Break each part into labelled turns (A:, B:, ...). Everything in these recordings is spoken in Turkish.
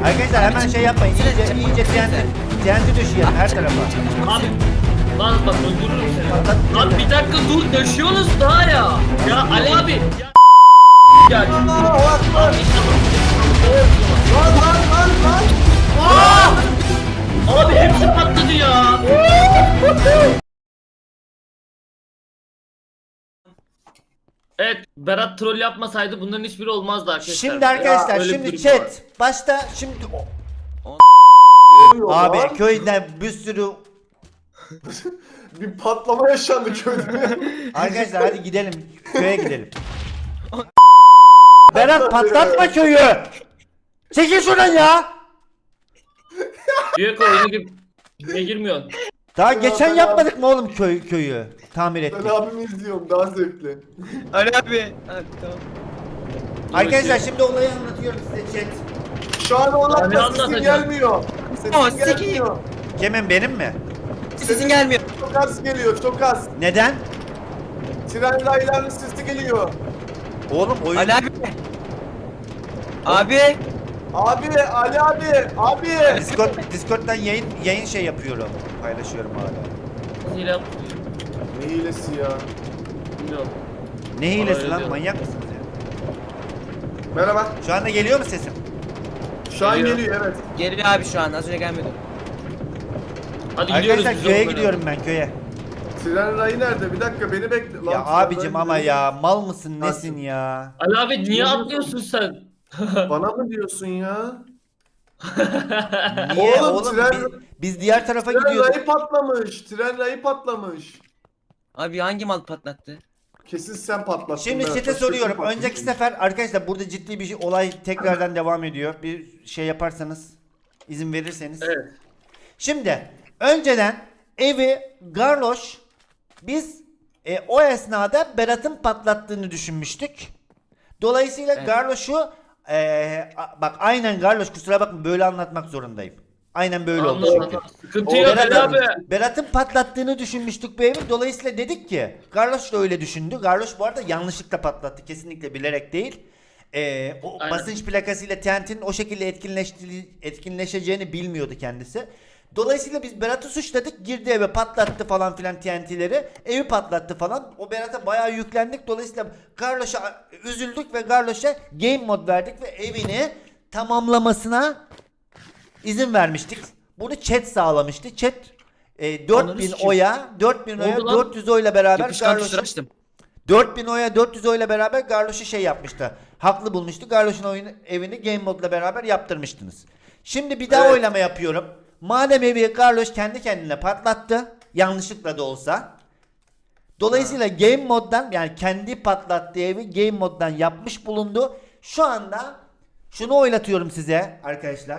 A: Arkadaşlar hemen şey yapmayın. İyice TNT düşüyor her tarafa.
B: Abi lan bak öldürürüm seni.
A: Patlat.
B: Abi bir dakika dur döşüyorsunuz daha ya. Ya Ali abi. Ya. Ya. Abi hepsi patladı ya. Evet, Berat troll yapmasaydı bunların hiçbiri olmazdı arkadaşlar.
A: Şimdi arkadaşlar
B: Ya, öyle bir
A: şimdi
B: durum
A: chat
B: var.
A: başta şimdi abi köyden bir sürü
C: Bir patlama yaşandı köyde.
A: arkadaşlar hadi gidelim köye gidelim. Berat patlatma köyü. Çekil şuradan ya.
B: Büyük oyunu gibi girmiyorsun.
A: Daha
C: Ya
A: geçen
C: ben
A: yapmadık mı oğlum köyü tamir
C: Ben
A: ettik.
C: abimi izliyorum daha zevkli.
D: Ali abi. Hadi tamam.
A: Arkadaşlar şimdi olayı anlatıyorum size chat.
C: Şu an
B: Ben
C: onlar
B: ne
C: da sesin
B: anlatacağım?
C: gelmiyor.
D: Ama
C: Sesin gelmiyor.
A: Kimin benim mi?
D: Sesin gelmiyor.
C: Çok az geliyor çok az.
A: Neden?
C: Tren raylarının sesi geliyor.
A: Oğlum oyun
D: Ali abi. Abi.
C: Abi Ali abi.
A: Discord'dan yayın şey yapıyorum. Paylaşıyorum hala.
B: Hile yaptı.
C: Ne hilesi ya.
B: Bilmiyorum.
A: Ne hilesi
B: öyle
A: lan
B: diyor.
A: manyak mısınız ya?
C: Merhaba.
A: Şu anda geliyor mu sesim?
C: Şu an
B: Geliyor.
C: geliyor evet.
D: Geliyor abi şu an. Az önce gelmedi.
B: Hadi gidiyoruz
A: Arkadaşlar
B: biz
A: köye
B: onlara.
A: gidiyorum ben köye.
C: Tren rayı nerede? Bir dakika beni bekle. Lan,
A: Ya
C: tren
A: abicim
C: rayı
A: ama
C: nerede?
A: ya mal mısın nesin ya?
B: Ali abi niye atlıyorsun sen?
C: Bana mı diyorsun ya?
A: Niye
C: Oğlum,
A: oğlum
C: tren-
A: biz diğer tarafa
C: Tren
A: gidiyorduk.
C: rayı patlamış. Tren rayı patlamış.
D: Abi hangi mal patlattı?
C: Kesin sen patlattın.
A: Şimdi
C: Berat.
A: chat'e
C: Başka
A: soruyorum.
C: kim patlattı?
A: Önceki sefer arkadaşlar burada ciddi bir olay tekrardan devam ediyor. Bir şey yaparsanız izin verirseniz.
B: Evet.
A: Şimdi önceden evi Garloş biz o esnada Berat'ın patlattığını düşünmüştük. Dolayısıyla
D: Evet.
A: Garloş'u bak aynen Garloş kusura bakma böyle anlatmak zorundayım. Aynen böyle oldu
B: Anladım,
A: çünkü.
B: anladım. Sıkıntı yok Ali abi.
A: Berat'ın patlattığını düşünmüştük bu evi. Dolayısıyla dedik ki Garloş da öyle düşündü. Garloş bu arada yanlışlıkla patlattı. Kesinlikle bilerek değil. O
B: Aynen.
A: basınç plakasıyla TNT'nin o şekilde etkinleşeceğini bilmiyordu kendisi. Dolayısıyla biz Berat'ı suçladık. Girdi eve patlattı falan filan TNT'leri. Evi patlattı falan. O Berat'a bayağı yüklendik. Dolayısıyla Garloş'a üzüldük ve Garloş'a game mod verdik ve evini tamamlamasına izin vermiştik. Bunu chat sağlamıştı. Chat 4000
D: sikeyim.
A: oya 4000 oya
B: Oldu lan.
A: 400 oyla beraber
D: Yapışkan tuşları
A: Garloş'u
D: açtım.
A: 4000 oya 400 oyla beraber Garloş'u şey yapmıştı. Haklı bulmuştu. Garloş'un evini game modla beraber yaptırmıştınız. Şimdi bir daha
C: Evet.
A: oylama yapıyorum. Madem evi Garloş kendi kendine patlattı. Yanlışlıkla da olsa. Dolayısıyla game moddan yani kendi patlattığı evi game moddan yapmış bulundu. Şu anda şunu oylatıyorum size arkadaşlar.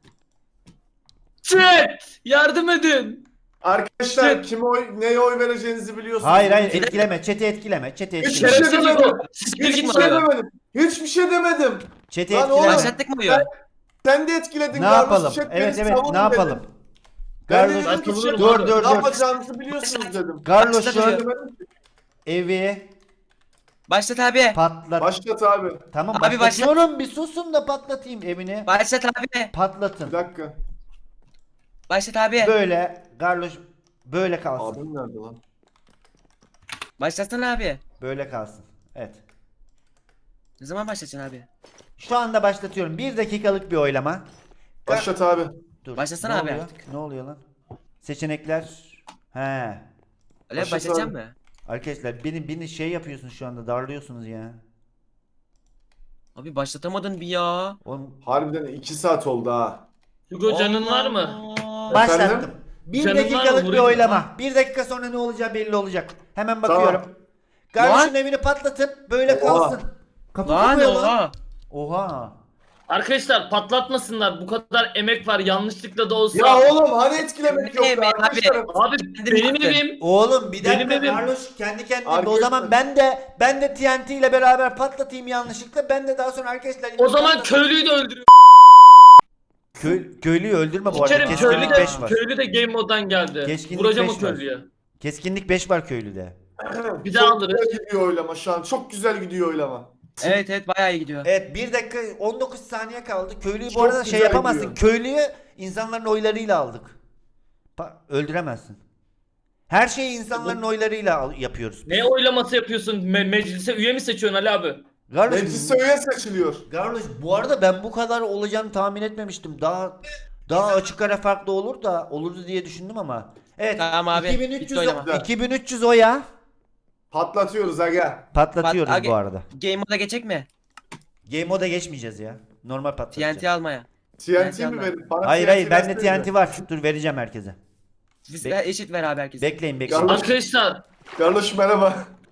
B: Chat! Yardım edin.
C: Arkadaşlar neye oy vereceğinizi biliyorsunuz.
A: Hayır etkileme. Chat'i etkileme. Chat'i
C: Hiç
A: etkileme.
C: şey demedim.
B: Siktir
C: Hiçbir
B: git
C: şey
B: oraya.
C: demedim. Hiçbir şey demedim.
A: Chat'i
C: Lan
A: etkileme.
C: oğlum,
D: Başlattık mı oyu?
C: Sen de etkiledin.
A: Ne
C: Garloş,
A: yapalım?
C: chat
A: Evet
C: beni
A: evet
C: savunun
A: ne yapalım?
C: dedim. Ben de
A: Garloş
C: dedim ki
B: Dur,
C: chat,
A: dur, dur,
C: ne
A: dur.
C: yapacağınızı biliyorsunuz dedim.
A: Garloş'un
C: Demedim ki.
A: evi
D: Başlat abi.
A: patlat.
C: Başlat abi.
A: Tamam
D: Abi
A: başlatıyorum. Bir susun da patlatayım evini.
D: Başlat abi.
A: Patlatın.
C: Bir dakika.
D: Başlat abi.
A: Böyle Garloş böyle kalsın.
C: Abim nerede lan?
D: Başlatsana abi.
A: Böyle kalsın. Evet.
D: Ne zaman başlatacaksın abi?
A: Şu anda başlatıyorum. 1 dakikalık bir oylama.
C: Başlat abi.
A: Dur.
D: Başlasana
A: Ne
D: abi
A: oluyor?
D: artık.
A: Ne oluyor lan? Seçenekler. He.
D: Ali abi
C: Başlat
D: başlatacak
C: abi.
D: mı?
A: Arkadaşlar beni şey yapıyorsunuz şu anda darlıyorsunuz ya.
D: Abi başlatamadın bir ya.
A: Oğlum
C: Harbiden 2 saat oldu ha.
B: Hugo canın var mı?
D: Allah.
A: başlattım.
C: Efendim?
A: 1
B: Canın var
A: dakikalık
B: mı?
A: bir
B: Vurayım.
A: oylama. 1 dakika sonra ne olacağı belli olacak. Hemen bakıyorum.
C: Tamam.
A: Garloş'un
D: Lan.
A: evini patlatın. Böyle
C: Oha.
A: kalsın. Kapı
D: Lan
A: kopuyor lan.
D: oha.
A: Oha.
B: Arkadaşlar patlatmasınlar. Bu kadar emek var yanlışlıkla da olsa.
C: Ya oğlum hani etkilemek
D: Ne
C: yoktu
D: be abi?
C: arkadaşlar.
B: Abi benim
D: yaptın.
B: evim.
A: Oğlum bir
B: Benim
A: dakika
B: evim.
A: Garloş kendi kendine o
C: Arkadaşlar.
A: zaman ben de TNT ile beraber patlatayım yanlışlıkla. Ben de daha sonra arkadaşlar
B: O zaman köylüyü de öldürüyor.
A: köylüyü öldürme bu arada.
B: Sikerim köylü
A: Keskinlik
B: de,
A: 5 var.
B: köylü de game moddan geldi.
A: Keskinlik
B: Vuracağım
A: 5
B: o
A: var.
B: köylüye.
A: Keskinlik 5 var köylüde.
B: Bir daha
C: Çok
B: alırız.
C: güzel gidiyor oylama şu an. Çok güzel gidiyor oylama.
D: Evet evet bayağı iyi gidiyor.
A: Evet 1 dakika 19 saniye kaldı. Köylüyü bu
C: Çok
A: arada şey
C: güzel
A: yapamazsın.
C: gidiyor.
A: Köylüyü insanların oylarıyla aldık. Öldüremezsin. Her şeyi insanların oylarıyla yapıyoruz.
B: Ne oylaması yapıyorsun? Meclise üye mi seçiyorsun Ali abi?
A: Garloş,
C: Meclise üye seçiliyor.
A: Garloş bu arada ben bu kadar olacağını tahmin etmemiştim. Daha açık ara farklı olur da olurdu diye düşündüm ama. Evet.
D: Tamam abi,
A: 2300
D: bitti oylama.
A: 2300 oya
C: Patlatıyoruz aga.
A: patlatıyoruz
D: Aga-
A: bu arada.
D: Game moda geçecek mi?
A: Game moda geçmeyeceğiz ya. Normal patlatacağız.
D: TNT almaya.
C: TNT mi
D: yandan.
C: verin? Bana
A: Hayır
C: TNT
A: hayır bende
C: versenize.
A: TNT var. Dur vereceğim herkese.
D: Biz
A: Bek-
D: eşit ver abi herkese.
A: Bekleyin bekleyin.
C: Garloş,
B: Arkadaşlar
C: Garloş merhaba.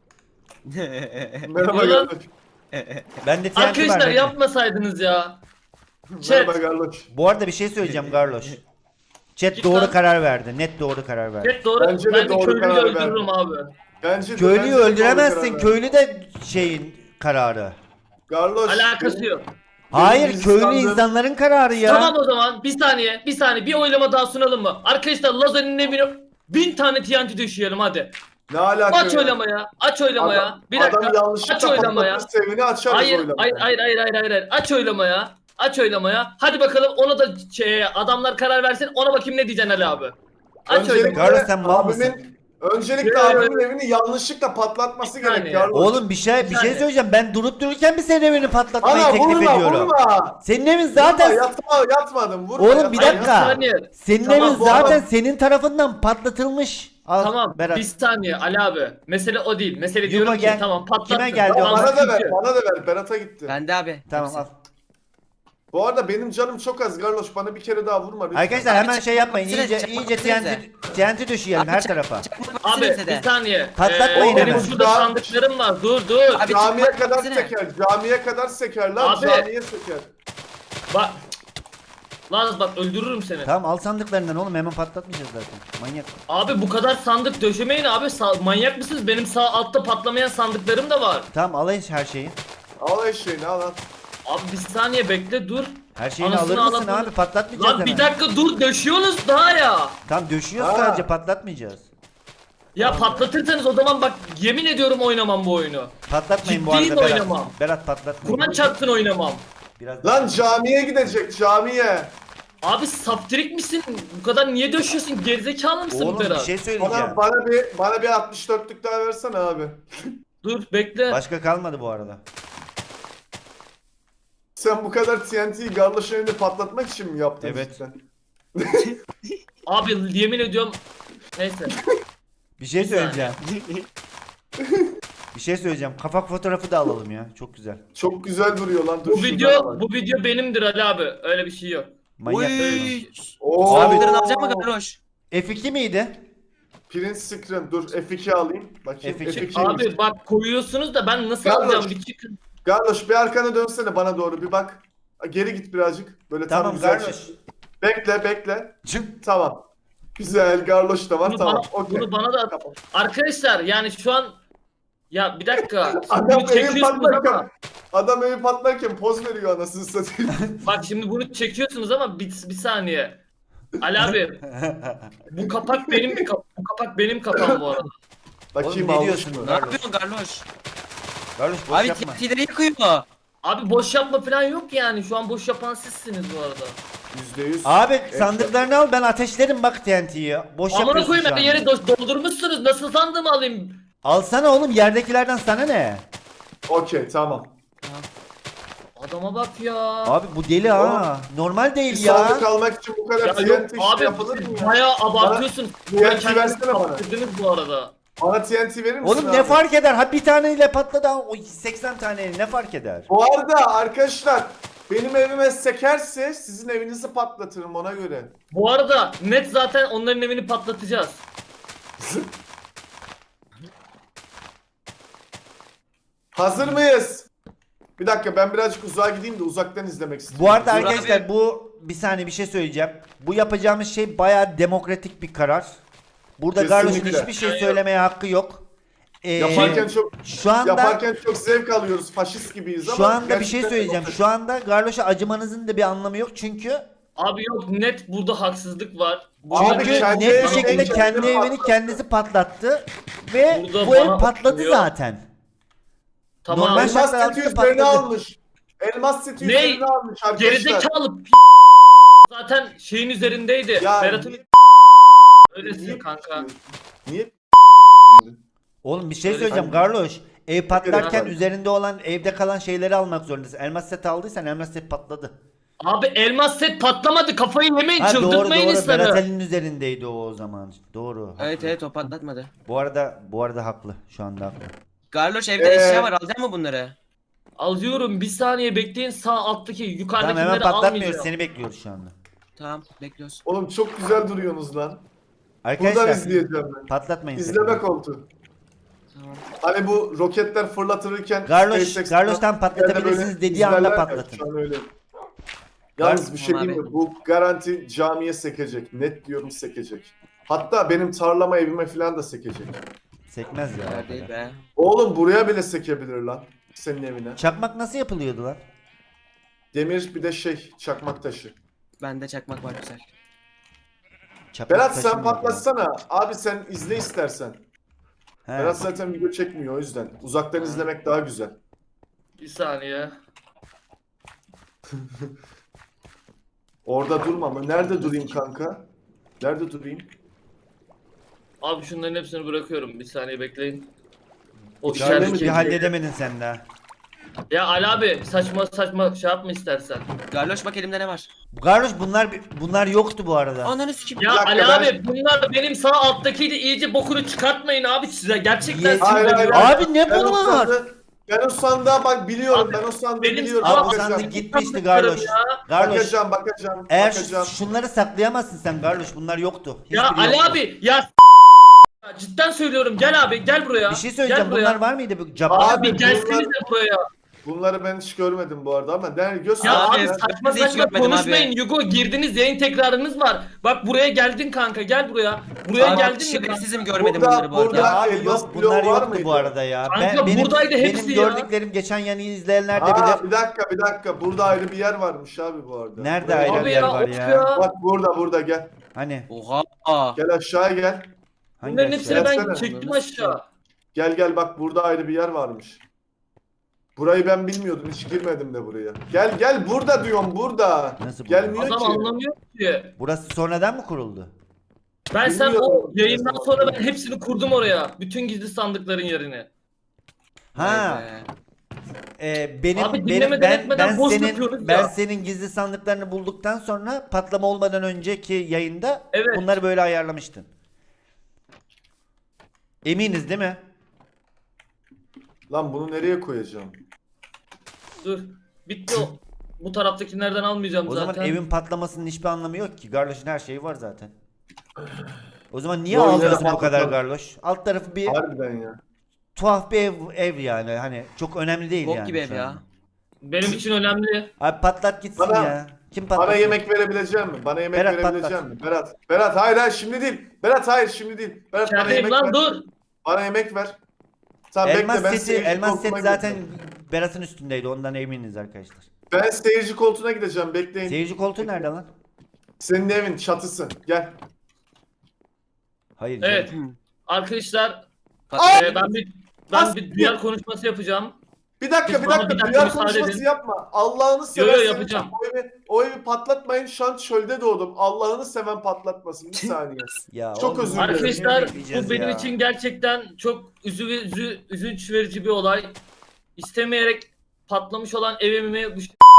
C: Merhaba
B: Yalan.
C: Garloş.
A: Bende TNT var.
B: arkadaşlar
A: bekleyin.
B: yapmasaydınız ya.
C: Merhaba Garloş.
A: Bu arada bir şey söyleyeceğim Garloş. Chat
B: Git
A: doğru
B: lan.
A: karar verdi. Net doğru karar verdi.
B: Evet doğru.
C: Bence de
B: Ben de
C: doğru
B: köylüyü
C: karar
B: öldürürüm abi.
C: Bence
A: Köylüyü
C: bence de doğru
A: öldüremezsin.
C: karar
A: Köylü de şeyin kararı.
C: Garloş.
B: Alakası yok.
A: Hayır
C: bizim
A: köylü
C: standım-
A: insanların kararı ya.
B: Tamam o zaman bir saniye bir oylama daha sunalım mı? Arkadaşlar Lazer'in evine 1000 tane TNT düşürelim hadi.
C: Ne alaka
B: Aç
C: ya?
B: oylamaya. Aç oylamaya.
C: Adam,
B: Bir dakika.
C: adam yanlışlıkla
B: Aç oylamaya.
C: patlatır sevini açarız
B: Hayır,
C: oylamaya.
B: hayır. Aç oylamaya. Aç oylamaya. Hadi bakalım ona da adamlar karar versin. Ona bakayım ne diyeceksin Ali abi. Aç
C: Öncelikle
B: oylamaya.
A: Garloş sen mal mısın?
C: Öncelikle
B: Ya,
C: abimin evini yanlışlıkla patlatması
B: Bir
C: gerek
B: saniye.
C: Garloş.
A: Oğlum bir şey
B: saniye.
A: söyleyeceğim. Ben durup dururken bir senin evini patlatmayı
C: Ana
A: teklif
C: vurma
A: ediyorum.
C: vurma.
A: Senin evin zaten
C: Yatmadım vurma.
A: Oğlum, bir
C: yatma,
A: dakika.
C: yatma.
B: saniye.
A: senin
B: Tamam,
A: evin
C: bu
A: zaten
C: adam-
A: senin tarafından patlatılmış. Al
B: Tamam
A: Berat.
B: bir saniye Ali abi. Mesele o değil. Mesele
A: Yugo
B: diyorum
A: gel.
B: ki tamam patlattın.
A: Kime geldi
B: Tamam,
A: o?
C: Bana da ver,
B: sıkıntı yok.
C: bana da ver. Berat'a gitti.
D: Bende abi.
A: Tamam
D: Hepsi.
A: al.
C: Bu arada benim canım çok az Garloş. Bana bir kere daha vurma lütfen.
A: Arkadaşlar hemen şey yapmayın.
D: Çakmak
A: İyice
D: çakmak
A: iyice
D: çakmak
A: TNT düşüyelim her tarafa.
B: Abi bir saniye.
A: Patlatmayın
B: benim
A: hemen.
B: şurada sandıklarım var. Dur.
D: Abi,
C: Camiye
D: çakmak
C: kadar
D: baksana.
C: seker. Camiye kadar seker lan.
B: Abi.
C: Camiye seker.
B: Bak. Lan bak öldürürüm seni.
A: Tamam al sandıklarından oğlum hemen patlatmayacağız zaten. Manyak.
B: Abi bu kadar sandık döşemeyin abi. Manyak mısınız? Benim sağ altta patlamayan sandıklarım da var.
A: Tamam alayım her şeyi.
C: Al eşeğini al al.
B: Abi bir saniye bekle dur.
A: Her şeyini
B: Anasını
A: alır mısın
B: ağlatma.
A: abi? Patlatmayacağız
B: Lan bir
A: hemen.
B: dakika dur döşüyorsunuz daha ya.
A: Tamam döşüyoruz
C: Ha.
A: sadece patlatmayacağız.
B: Ya patlatırsanız o zaman bak yemin ediyorum oynamam bu oyunu.
A: Patlatmayın bu
B: Ciddiyim
A: arada Berat.
B: oynamam.
A: Berat patlatmayın.
B: Kur'an çarpsın oynamam.
A: Biraz
C: Lan camiye gidecek camiye.
B: Abi saftirik misin? Bu kadar niye döşüyorsun? Gerizekalı mısın
A: Oğlum bir
B: Berat?
A: şey söyleyeceğim.
C: Bana bir 64'lük daha versene abi.
B: Dur bekle.
A: Başka kalmadı bu arada.
C: Sen bu kadar TNT'yi Garloş'un evinde patlatmak için mi yaptın
A: Evet.
C: cidden?
B: Abi yemin ediyorum. Neyse.
A: Bir şey
B: Bir saniye.
A: söyleyeceğim. Bir şey söyleyeceğim. Kapak fotoğrafı da alalım ya. Çok güzel.
C: Çok güzel duruyor lan. Dur
B: Bu
C: şuradan
B: video
C: alalım.
B: bu video benimdir Ali abi. Öyle bir şey yok.
A: Manyak.
D: Uy.
C: Oo.
A: Abi-
D: Saldırın alacak mı Garloş?
A: F2 miydi?
C: Print screen dur F2 alayım. Bakayım
A: F2.
C: F2.
B: Abi bak koyuyorsunuz da ben nasıl
C: Garloş.
B: alacağım bir çıkın.
C: Garloş bir arkana dönsene bana doğru bir bak. Geri git birazcık. Böyle tam
A: Tamam
C: güzel.
A: Garloş.
C: Bekle.
A: Çık.
C: Tamam. Güzel Garloş da var
B: Bunu
C: tamam.
B: bana,
C: Okey.
B: bunu bana da
C: Tamam.
B: arkadaşlar yani şu an ya bir dakika siz
C: Adam
B: bunu
C: evi
B: çekiyorsunuz ama
C: patlarken poz veriyor anasını satayım.
B: bak şimdi bunu çekiyorsunuz ama bir saniye. Ali abi bu kapak benim bu kapak benim kapağım bu arada.
C: Bakayım
A: Oğlum ne
C: almış
A: diyorsun?
C: mı?
D: Ne yapıyorsun Garloş?
A: Garloş boş
D: Abi
A: yapma.
D: TNT'leri yıkıyor.
B: Abi boş yapma falan yok yani şu an boş yapan sizsiniz bu arada.
C: %100.
A: Abi sandıklarını al ben ateşlerim bak TNT'yi. Boş
B: Amına
A: yapıyorsun
B: koyayım
A: şu
B: ben
A: an.
B: yeri doldurmuşsunuz nasıl sandığımı alayım.
A: Alsana oğlum yerdekilerden sana ne?
C: Okey tamam.
B: Adama bak ya.
A: Abi bu deli ha. Normal
C: Bir
A: değil ya.
C: sandık almak için bu kadar
B: Ya
C: TNT
B: yok
C: işi
B: abi
C: yapılır mı ya?
B: bayağı abartıyorsun.
C: TNT
B: Böyle kendinizi
C: versene bana.
B: kaptırdınız bu arada.
C: Bana TNT verir misin
A: Oğlum
C: abi?
A: ne fark eder? Ha bir taneyle patladı ama o 80 tane ne fark eder?
C: Bu arada arkadaşlar benim evime sekerse sizin evinizi patlatırım ona göre.
B: Bu arada net zaten onların evini patlatacağız.
C: Hazır mıyız? Bir dakika ben birazcık uzağa gideyim de uzaktan izlemek istiyorum.
A: Bu arada
D: Dur
A: arkadaşlar
D: abi.
A: bu bir saniye bir şey söyleyeceğim. Bu yapacağımız şey bayağı demokratik bir karar. Burada
C: Kesinlikle.
A: Garloş'un hiçbir şey söylemeye hakkı yok.
C: Yaparken
A: Şu anda
C: çok zevk alıyoruz. Faşist gibiyiz ama.
A: şu anda bir şey
C: gerçekten
A: söyleyeceğim.
C: demokratik.
A: Şu anda Garloş'a acımanızın da bir anlamı yok çünkü
B: Abi yok net burada haksızlık var.
C: Abi
A: çünkü
C: kendi
A: net bir
C: evini
A: şekilde
C: kendi
A: kendi evini
C: patlattı.
A: kendisi patlattı ve
B: Burada
A: bu ev
B: bana
A: patladı
B: bakıyor.
A: zaten.
B: Tamam.
A: Normal
C: Elmas
A: şartlar
C: seti
A: altında
C: üzerine
A: patladı.
C: almış. Elmas seti
B: Ne?
C: üzerine almış arkadaşlar.
B: Gerizekalı zaten şeyin üzerindeydi.
C: Ya
B: Berat'ın
C: niye-
B: öylesin
C: niye-
B: kanka.
C: Niye?
A: Oğlum bir şey
B: Öyle
A: söyleyeceğim
C: kanka.
A: Garloş. Ev patlarken
C: Kanka.
A: üzerinde olan evde kalan şeyleri almak zorundasın. Elmas set aldıysan elmas set patladı.
B: Abi elmas set patlamadı. Kafayı yemeyin,
A: Ha doğru
B: çıldırtmayın
A: doğru.
B: insanı.
A: Berat Ali'nin üzerindeydi o zaman. Doğru.
D: Evet o patlatmadı.
A: Bu arada haklı. Şu anda haklı.
D: Garloş evde eşya var, alacak mı bunları?
B: Alıyorum, bir saniye bekleyin, sağ alttaki
A: Tamam hemen
B: yukarıdakileri
A: patlatmıyoruz.
B: almayacağım.
A: Seni bekliyoruz şu anda.
D: Tamam bekliyoruz.
C: Oğlum çok güzel duruyorsunuz lan. Buradan
A: Arkadaşlar
C: izleyeceğim ben.
A: patlatmayın.
C: İzleme
A: sakın.
C: koltuğu.
D: Tamam.
C: Hani bu roketler fırlatılırken
A: Garloş'tan patlatabilirsiniz dediği anda patlatın.
C: Şu an öyle. Yalnız bir şey
D: Tamam
C: diyeyim mi?
D: abi.
C: Bu garanti camiye sekecek. Net diyorum sekecek. Hatta benim tarlama evime falan da sekecek.
A: Sekmez ya.
D: Kadar değil be.
C: Oğlum buraya bile sekebilir lan. Senin evine.
A: Çakmak nasıl yapılıyordu lan?
C: Demir bir de çakmak taşı.
D: Bende çakmak var güzel.
A: Çakmak
C: Berat
A: taşı
C: sen
A: mı
C: patlatsana. Abi sen izle istersen.
A: He.
C: Berat zaten video çekmiyor o yüzden. Uzaktan izlemek daha güzel.
B: Bir saniye.
C: Orada durma mı? Nerede durayım kanka? Nerede durayım?
B: Abi şunların hepsini bırakıyorum. Bir saniye bekleyin. O
C: İçeride
A: Garloş
C: mi
B: işaret
A: bir
C: diyecek?
A: halledemedin sen daha.
B: Ya Ali abi saçma saçma şey yapma istersen.
D: Garloş bak elimde ne var?
A: Garloş bunlar yoktu bu arada.
D: Ananı sikeyim.
B: Ya
C: Bir dakika,
B: Ali
C: ben-
B: abi bunlar benim sağ alttakiydi, iyice bokunu çıkartmayın abi size. Gerçekten
A: Ye-
C: Hayır, hayır,
B: sinirleniyorum.
C: hayır.
A: Abi ne
C: Ben o
A: bunlar?
C: ben o sandığa bak biliyorum.
B: Abi,
C: Ben o sandığı
B: benim
C: biliyorum.
A: Abi o
B: Bakacağım.
A: sandık gitmişti
B: Bakacağım
A: Garloş.
B: ya.
A: Garloş.
C: Bakacağım.
A: Eğer
C: bakacağım.
A: şunları saklayamazsın sen Garloş. Bunlar yoktu.
B: Ya
A: Hiçbiri
B: Ali
A: yoktu.
B: abi ya cidden söylüyorum, gel abi gel buraya.
A: Bir şey söyleyeceğim.
B: Gel buraya.
A: Bunlar var mıydı bu
C: Abi,
A: capta?
B: Abi gelsenize buraya.
C: Bunları ben hiç görmedim bu arada ama göster.
B: Ya
D: Abi,
B: abi
D: ben
B: saçma
D: de hiç
B: saçma
D: görmedim
B: konuşmayın
D: abi.
B: Yugo, girdiniz, yayın tekrarınız var. Bak buraya geldin kanka, gel buraya. Buraya
D: Abi,
B: geldin mi kanka?
D: şerefsizim görmedim
C: Burada-
D: bunları bu arada.
C: burada-
A: Ya abi
C: elmas
A: yok
C: bloğu
A: bunlar
C: var
A: yoktu
C: mıydı?
A: bu arada ya.
B: Kanka, buradaydı hepsi
A: benim
B: ya.
A: gördüklerim geçen yayını izleyenler de
C: Aa,
A: bilir.
C: bir dakika. Burada ayrı bir yer varmış abi bu arada.
A: Nerede
C: Buraya-
A: ayrı
B: Abi
A: bir yer
B: ya
A: var
B: of
A: ya?
B: ya.
C: Bak burada gel.
A: Hani
D: Oha.
C: Gel aşağıya gel.
A: hangi
B: Bunların
A: aşağı?
B: hepsini ben
C: Gelsene.
B: çektim aşağı.
C: Gel bak burada ayrı bir yer varmış. Burayı ben bilmiyordum. Hiç girmedim de buraya. Gel burada diyorum burada.
A: Nasıl burada?
C: Gelmiyor
B: Adam
C: ki.
B: anlamıyor ki.
A: Burası sonradan mı kuruldu?
B: Ben sen o
C: Bilmiyorum.
B: yayından sonra ben hepsini kurdum oraya. Bütün gizli sandıkların yerini.
A: Ha.
D: Vay be.
A: Benim
B: Abi
A: benim
B: dinlemeden etmeden boş yapıyoruz
A: ben
B: ya.
A: senin gizli sandıklarını bulduktan sonra patlama olmadan önceki yayında
B: Evet.
A: bunları böyle ayarlamıştın. Eminiz değil mi?
C: Lan bunu nereye koyacağım?
B: Dur. Bitti o. Bu taraftakilerden almayacağım
A: O
B: zaten.
A: zaman evin patlamasının hiçbir anlamı yok ki. Garloş'un her şeyi var zaten. O zaman niye
C: Yo,
A: ağlıyorsun
C: yine
A: bu kadar
C: patlatalım.
A: Garloş? Alt tarafı bir
C: Harbiden ya.
A: tuhaf bir ev yani. Hani çok önemli değil
D: Bok
A: yani.
D: gibi ev
A: şu
D: ya.
A: an.
B: Benim için önemli.
A: Abi patlat gitsin
C: Bana-
A: ya. Kim patlat?
C: Bana yemek verebilecek mi? Bana yemek
A: Berat,
C: verebilecek
A: patlat.
C: mi? Berat hayır şimdi değil. Berat hayır şimdi değil. Berat bana
B: İçerideyim
C: yemek
B: lan,
C: ver.
B: dur.
C: Bana yemek ver. Tamam
A: Elmas
C: bekle ben
A: seti,
C: seyirci
A: elmas
C: koltuğuna
A: seti zaten
C: gideceğim.
A: Berat'ın üstündeydi. Ondan eminiz arkadaşlar.
C: Ben seyirci koltuğuna gideceğim bekleyin.
A: Seyirci koltuğu nerede lan?
C: Senin evin çatısı. Gel.
A: Hayır.
B: Evet.
A: canım.
B: Arkadaşlar
D: Patladı.
B: ben bir duyar konuşması yapacağım.
C: Bir dakika
B: Biz bana bir dakika
C: Dünya
B: müsaade
C: konuşması
B: edin.
C: yapma. Allah'ını seversen
B: yapacağım.
C: o evi patlatmayın. Şu an çölde doğdum. Allah'ını seven patlatmasın. Bir saniye.
A: Ya
C: Çok
A: oğlum,
C: özür dilerim.
B: Arkadaşlar
A: ne bekleyeceğiz
B: bu benim
A: ya?
B: için gerçekten çok üzünç verici bir olay. İstemeyerek patlamış olan evimi bu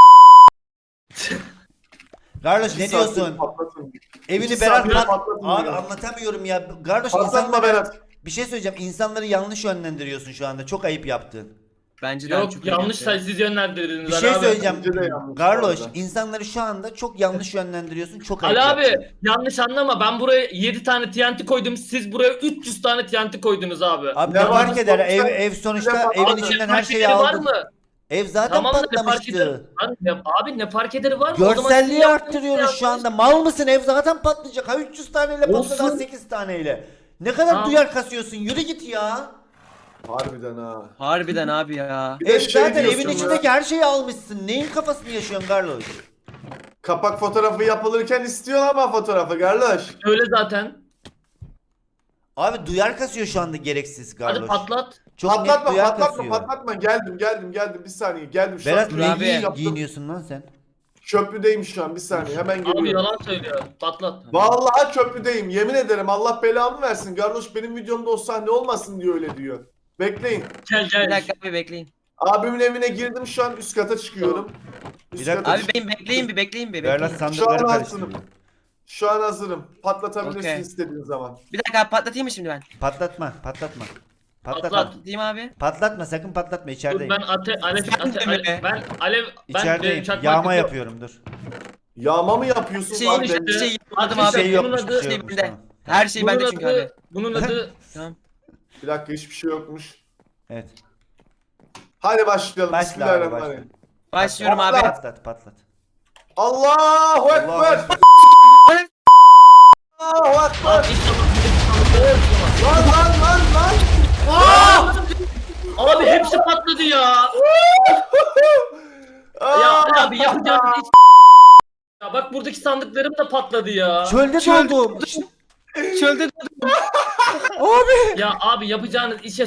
A: Garloş ne
C: Bir saattir
A: diyorsun?
C: patlatın.
A: Evini
C: İki
A: Berat
C: saattir patlatın
A: Abi
C: ya.
A: anlatamıyorum ya. Garloş
C: Patlatma
A: insanları
C: Berat.
A: bir şey söyleyeceğim. İnsanları yanlış yönlendiriyorsun şu anda. Çok ayıp yaptın.
D: Bence de
B: yok
D: çok
B: yanlış
D: iyi yaptı.
B: siz yönlendirdiniz.
A: Bir
B: Ali
A: şey
B: abi.
A: söyleyeceğim.
C: Bence de yanlış
A: Garloş
C: bu arada.
A: insanları şu anda çok yanlış yönlendiriyorsun. Çok ayıp
B: Ali
A: yaptın.
B: abi yanlış anlama, ben buraya 7 tane TNT koydum, siz buraya 300 tane TNT koydunuz abi.
A: Abi
C: Ne
A: ne fark
C: var?
A: eder?
C: Sonuçta-
A: Ev sonuçta
C: Abi,
A: evin
B: Abi,
A: içinden
B: ne
A: her
B: fark
A: şeyi
B: ederi var
A: aldın.
B: mı?
A: Ev zaten
B: Tamam da ne fark eder?
A: patlamıştı.
B: Abi ne fark ederi var mı? O zaman
A: Görselliği
B: sizin yaptığınız
A: arttırıyoruz şu
B: yanlış.
A: anda. Mal mısın? Ev zaten patlayacak. Ha 300 taneyle patladı,
B: Olsun.
A: 8 taneyle. Ne kadar
B: Ha.
A: duyar kasıyorsun? Yürü git ya.
C: Harbiden ha.
D: Harbiden abi ya.
C: Bir de
A: Ev
C: şey
A: zaten
C: diyorsun
A: evin
C: ya.
A: içindeki her şeyi almışsın. Neyin kafasını yaşıyorsun Garloş?
C: Kapak fotoğrafı yapılırken istiyorsun ama fotoğrafı Garloş.
B: Öyle zaten.
A: Abi duyar kasıyor şu anda gereksiz
B: Hadi
A: Garloş.
B: patlat.
A: Çok net
C: Patlatma
A: duyar
C: patlatma
A: kasıyor.
C: patlatma. Geldim bir saniye geldim. Şu
A: Berat
C: an
A: ne
C: köprüdeyim, yaptım.
A: giyiniyorsun lan sen?
C: Köprüdeyim şu an bir saniye hemen
B: Abi
C: geliyorum.
B: yalan söylüyor. Patlat.
C: Vallahi köprüdeyim yemin ederim Allah belamı versin. Garloş benim videomda o sahne olmasın diyor öyle diyor. Bekleyin.
B: Gel
D: Bir
B: gel.
D: dakika abi bekleyin.
C: Abimin evine girdim şu an üst kata çıkıyorum. Üst
A: Bir dakika.
C: kata
D: Abi
C: çık-
D: benim bekleyin bir
A: Berat
D: bekleyin.
A: sandıkları
C: Şu an
A: karıştırıyor.
C: Şu an hazırım. Patlatabilirsin
D: Okey.
C: istediğin zaman.
D: Bir dakika abi patlatayım mı şimdi ben?
A: Patlatma.
B: Patlat.
D: Patlatayım abi.
A: Patlatma sakın patlatma
B: Dur
A: içerideyim.
B: ben
A: İçerideyim. Yağma yapıyorum dur.
C: Yağma mı yapıyorsun?
D: Bir şey,
C: Abi
D: bir
C: ben-
D: şey yapmadım
B: Ateş
A: Bir
D: abi.
A: şey
B: yok.
A: yokmuş
B: Bunun
A: bir
B: adı-
A: şey yokmuş
D: bende.
A: tamam.
D: Her şey bende çünkü abi.
B: Bunun adı
D: Tamam.
C: Bir dakika hiçbir şey yokmuş.
A: Evet.
C: Hadi başlayalım.
A: Başla abi,
C: Bismillahirrahmanirrahim.
D: Başlıyorum abi.
A: Patlat.
C: Allahu Ekber.
A: Allahu Ekber.
C: Allahu Ekber.
B: Abi inşallah bir
C: Lan.
B: Abi hepsi patladı ya. Ya abi yapacağınız hiç ya bak buradaki sandıklarım da patladı ya.
A: Çölde doldum.
D: Çölde
B: Ya abi yapacağınız işe